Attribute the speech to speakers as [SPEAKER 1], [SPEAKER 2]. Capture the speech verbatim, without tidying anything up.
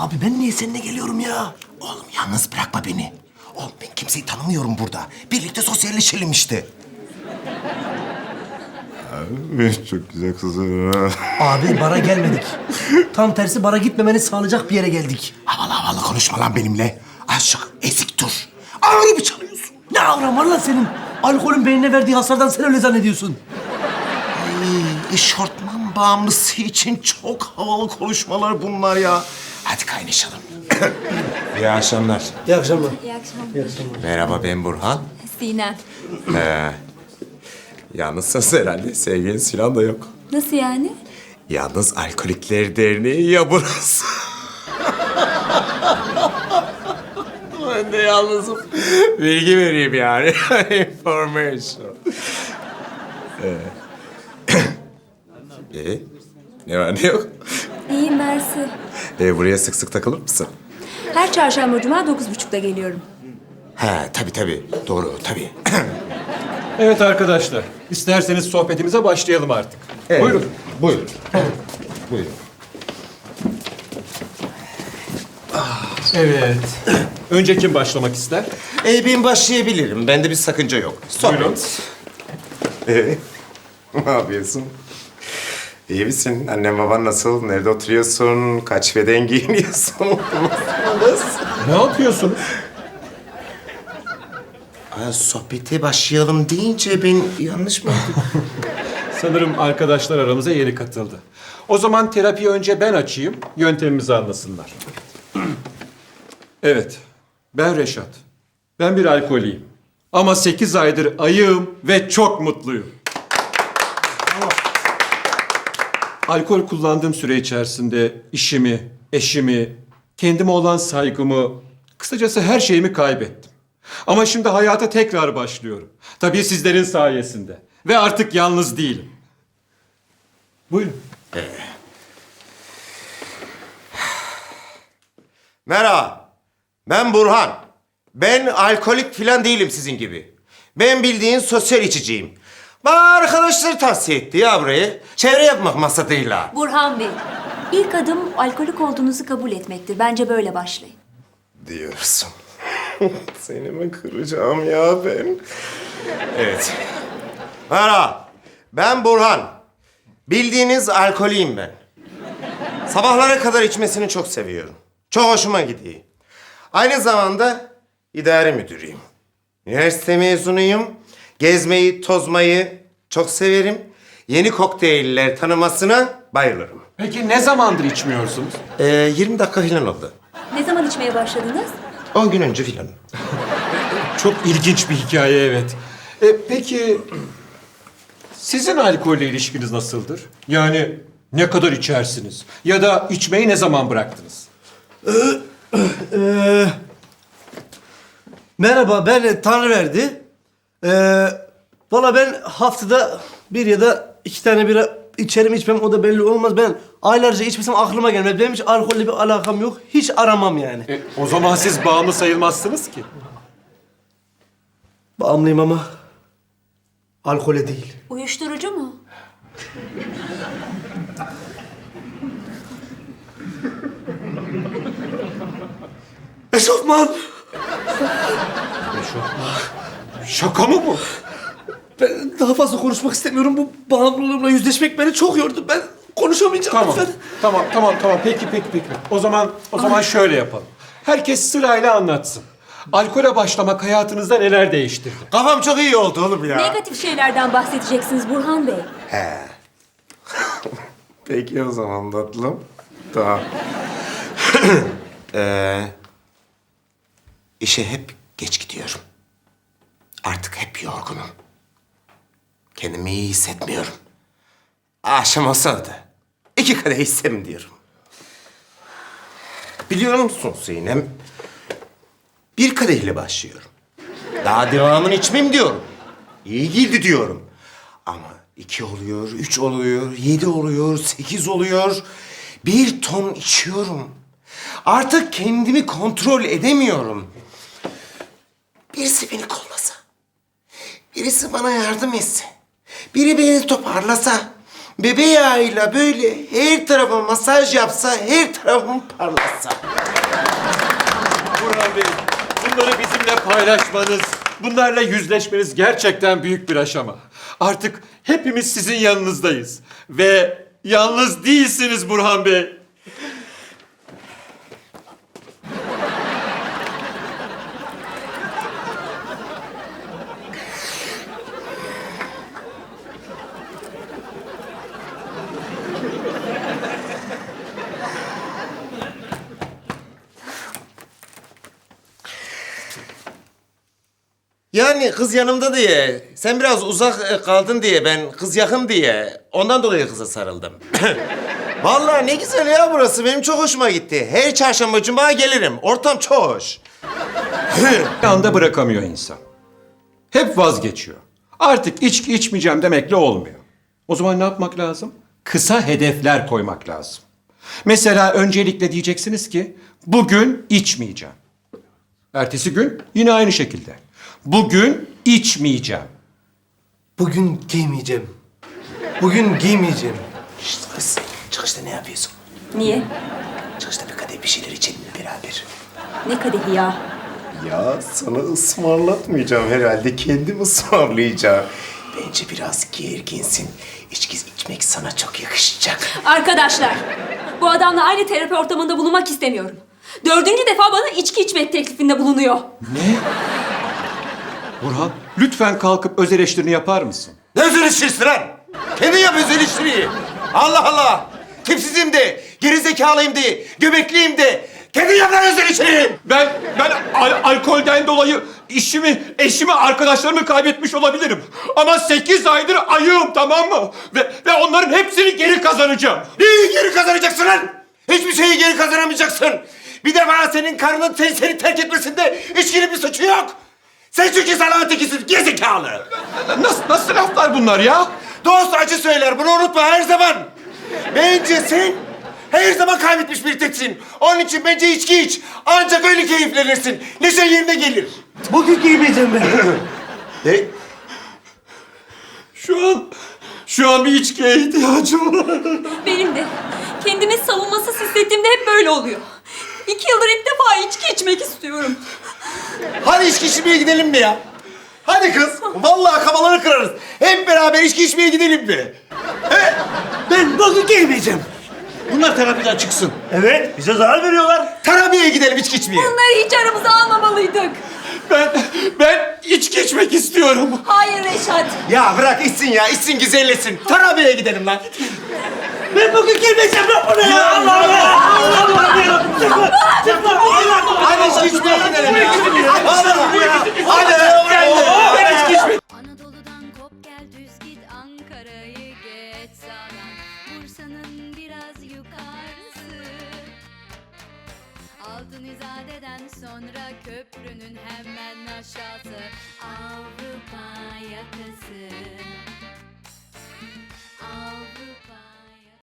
[SPEAKER 1] Abi ben niye seninle geliyorum ya? Oğlum yalnız bırakma beni. Oğlum ben kimseyi tanımıyorum burada. Birlikte sosyalleşelim işte.
[SPEAKER 2] Çok güzel kızım.
[SPEAKER 3] Abi bara gelmedik. Tam tersi bara gitmemeni sağlayacak bir yere geldik.
[SPEAKER 1] Havalı havalı konuşma lan benimle. Aşık ezik dur. Ağrı mı çalıyorsun?
[SPEAKER 3] Ne avran var lan senin? Alkolün beynine verdiği hasardan sen öyle zannediyorsun.
[SPEAKER 1] Ay, eşortman bağımlısı için çok havalı konuşmalar bunlar ya. Hadi kaynaşalım.
[SPEAKER 2] İyi akşamlar.
[SPEAKER 3] İyi akşamlar.
[SPEAKER 4] İyi akşamlar.
[SPEAKER 3] İyi akşamlar.
[SPEAKER 2] Merhaba, ben Burhan.
[SPEAKER 4] Sinem.
[SPEAKER 2] Yalnızsınız herhalde. Sevgiliniz falan da yok.
[SPEAKER 4] Nasıl yani?
[SPEAKER 2] Yalnız Alkolikler Derneği ya burası. Ben de yalnızım. Bilgi vereyim yani. Information. Ee, ee, ne var ne yok?
[SPEAKER 4] İyiyim Mersi.
[SPEAKER 2] Ee, buraya sık sık takılır mısın?
[SPEAKER 4] Her çarşamba cuma dokuz buçukta geliyorum.
[SPEAKER 1] He tabii tabii. Doğru tabii.
[SPEAKER 5] Evet arkadaşlar, isterseniz sohbetimize başlayalım artık.
[SPEAKER 2] Evet.
[SPEAKER 5] Buyurun.
[SPEAKER 2] Buyurun. Buyurun.
[SPEAKER 5] Evet. Önce kim başlamak ister?
[SPEAKER 2] Ee, ben başlayabilirim. Bende bir sakınca yok. Sohbet.
[SPEAKER 5] Buyurun.
[SPEAKER 2] Ee, ne yapıyorsun? İyi misin? Annen baban nasıl? Nerede oturuyorsun? Kaç beden giyiniyorsun?
[SPEAKER 5] Ne yapıyorsun?
[SPEAKER 1] Ha, sohbete başlayalım deyince ben yanlış mı yaptım?
[SPEAKER 5] Sanırım arkadaşlar aramıza yeni katıldı. O zaman terapiyi önce ben açayım, yöntemimizi anlasınlar. Evet, ben Reşat. Ben bir alkoliyim. Ama sekiz aydır ayığım ve çok mutluyum. Alkol kullandığım süre içerisinde işimi, eşimi, kendime olan saygımı, kısacası her şeyimi kaybettim. Ama şimdi hayata tekrar başlıyorum. Tabii sizlerin sayesinde. Ve artık yalnız değilim. Buyurun.
[SPEAKER 2] Merhaba. Ben Burhan. Ben alkolik falan değilim sizin gibi. Ben bildiğin sosyal içiciyim. Bana arkadaşları tavsiye etti ya burayı. Çevre yapmak maksadıyla.
[SPEAKER 4] Burhan Bey, ilk adım alkolik olduğunuzu kabul etmektir. Bence böyle başlayın.
[SPEAKER 2] Diyorsun. Seni mi kıracağım ya ben? Evet. Merhaba. Ben Burhan. Bildiğiniz alkoliyim ben. Sabahlara kadar içmesini çok seviyorum. Çok hoşuma gidiyor. Aynı zamanda idare müdürüyüm. Üniversite mezunuyum. Gezmeyi, tozmayı çok severim. Yeni kokteyller tanımasına bayılırım.
[SPEAKER 5] Peki ne zamandır içmiyorsunuz?
[SPEAKER 2] Ee, yirmi dakika falan oldu.
[SPEAKER 4] Ne zaman içmeye başladınız?
[SPEAKER 2] on gün önce falan.
[SPEAKER 5] Çok ilginç bir hikaye, evet. E, peki sizin alkolle ilişkiniz nasıldır? Yani ne kadar içersiniz? Ya da içmeyi ne zaman bıraktınız?
[SPEAKER 3] Ee, merhaba, ben Tanrıverdi. Ee, Valla ben haftada bir ya da iki tane bira içerim içmem, o da belli olmaz. Ben aylarca içmesem aklıma gelmez. Benim hiç alkolle bir alakam yok. Hiç aramam yani.
[SPEAKER 5] E, o zaman siz bağımlı sayılmazsınız ki.
[SPEAKER 3] Bağımlıyım ama alkole değil.
[SPEAKER 4] Uyuşturucu mu?
[SPEAKER 3] Eşofman!
[SPEAKER 5] Şaka mı bu?
[SPEAKER 3] Ben daha fazla konuşmak istemiyorum. Bu bağımlılığımla yüzleşmek beni çok yordu. Ben konuşamayacağım
[SPEAKER 5] Tamam,
[SPEAKER 3] lütfen.
[SPEAKER 5] tamam, tamam, tamam. Peki, peki, peki. O zaman, o zaman şöyle yapalım. Herkes sırayla anlatsın. Alkole başlamak hayatınızda neler değiştirdi?
[SPEAKER 2] Kafam çok iyi oldu oğlum ya.
[SPEAKER 4] Negatif şeylerden bahsedeceksiniz Burhan Bey.
[SPEAKER 2] He. Peki o zaman tatlım. Tamam.
[SPEAKER 1] Ee, işe hep geç gidiyorum. Artık hep yorgunum. Kendimi iyi hissetmiyorum. Akşam olsa da iki kadeh içsem diyorum. Biliyor musun Sinem? Bir kadehle başlıyorum. Daha devamını içmem diyorum. İyi girdi diyorum. Ama iki oluyor, üç oluyor, yedi oluyor, sekiz oluyor. Bir ton içiyorum. Artık kendimi kontrol edemiyorum. Birisi beni kollasa, birisi bana yardım etse, biri beni toparlasa,
[SPEAKER 2] bebe yağıyla böyle her tarafa masaj yapsa, her tarafım parlatsa.
[SPEAKER 5] Burhan Bey, bunları bizimle paylaşmanız, bunlarla yüzleşmeniz gerçekten büyük bir aşama. Artık hepimiz sizin yanınızdayız. Ve yalnız değilsiniz Burhan Bey.
[SPEAKER 2] Yani kız yanımda diye, sen biraz uzak e, kaldın diye, ben kız yakın diye, ondan dolayı kıza sarıldım. Vallahi ne güzel ya burası, benim çok hoşuma gitti. Her çarşamba cuma gelirim, ortam çok hoş.
[SPEAKER 5] Bir anda bırakamıyor insan. Hep vazgeçiyor. Artık içki içmeyeceğim demekle olmuyor. O zaman ne yapmak lazım? Kısa hedefler koymak lazım. Mesela öncelikle diyeceksiniz ki bugün içmeyeceğim. Ertesi gün yine aynı şekilde. Bugün içmeyeceğim.
[SPEAKER 3] Bugün giymeyeceğim. Bugün giymeyeceğim.
[SPEAKER 1] Şşt kız, çıkışta ne yapıyorsun?
[SPEAKER 4] Niye?
[SPEAKER 1] Çıkışta bir kadeh bir şeyler içelim beraber.
[SPEAKER 4] Ne kadehi ya?
[SPEAKER 1] Ya sana ısmarlatmayacağım herhalde, kendim ısmarlayacağım. Bence biraz gerginsin. İçki içmek sana çok yakışacak.
[SPEAKER 4] Arkadaşlar, bu adamla aynı terapi ortamında bulunmak istemiyorum. Dördüncü defa bana içki içmek teklifinde bulunuyor.
[SPEAKER 5] Ne? Burhan, lütfen kalkıp öz eleştirini yapar mısın?
[SPEAKER 2] Ne özel işçisi lan? Kendin yap özel işçiliği. Allah Allah! Tipsizim de, gerizekalıyım de, göbekliyim de. Kendin yap lan özel işçiliği.
[SPEAKER 5] Ben ben al- alkolden dolayı işimi, eşimi, arkadaşlarımı kaybetmiş olabilirim. Ama sekiz aydır ayığım, tamam mı? Ve ve onların hepsini geri kazanacağım.
[SPEAKER 2] Neyi geri kazanacaksın lan? Hiçbir şeyi geri kazanamayacaksın. Bir defa senin karının seni, seni terk etmesinde içkinin bir suçu yok. Sen çünkü salağın tekisin, gerizekalı.
[SPEAKER 5] Nasıl nasıl laflar bunlar ya?
[SPEAKER 2] Dost acı söyler, bunu unutma her zaman. Bence sen her zaman kaybetmiş bir teksin. Onun için bence içki iç. Ancak öyle keyiflenirsin. Neşe yerine gelir.
[SPEAKER 3] Bugün giymeyeceğim ben.
[SPEAKER 2] Ne?
[SPEAKER 5] Şu an şu an bir içkiye ihtiyacım var.
[SPEAKER 4] Benim de. Kendimi savunmasız hissettiğimde hep böyle oluyor. İki yıldır ilk defa içki içmek istiyorum.
[SPEAKER 2] Hadi içki içmeye gidelim mi ya? Hadi kız. Vallahi kafaları kırarız. Hep beraber içki içmeye gidelim mi?
[SPEAKER 3] Ben bugün giymeyeceğim.
[SPEAKER 1] Bunlar terapiden çıksın.
[SPEAKER 3] Evet, bize zarar veriyorlar.
[SPEAKER 2] Terapiye gidelim içki içmeye.
[SPEAKER 4] Bunları hiç aramıza almamalıydık.
[SPEAKER 5] Ben ben içki içmek istiyorum.
[SPEAKER 4] Hayır Reşat.
[SPEAKER 2] Ya bırak içsin ya, içsin güzelleşsin. Terapiye gidelim lan.
[SPEAKER 3] Ben bugün giymeyeceğim lan bunu ya. Allah Allah. Allah Allah. Yarabbim, çıkma. Çıkma. Allah Allah.
[SPEAKER 2] Hadi içki içmeye gidelim ya. Hadi ya. Hadi.
[SPEAKER 5] Ben içki içmek
[SPEAKER 6] Anadolu'dan kop gel düz git Ankara'yı geç sağdan Bursa'nın biraz yukarısı Altın İzade'den sonra köprünün hemen aşağısı Avrupa yakası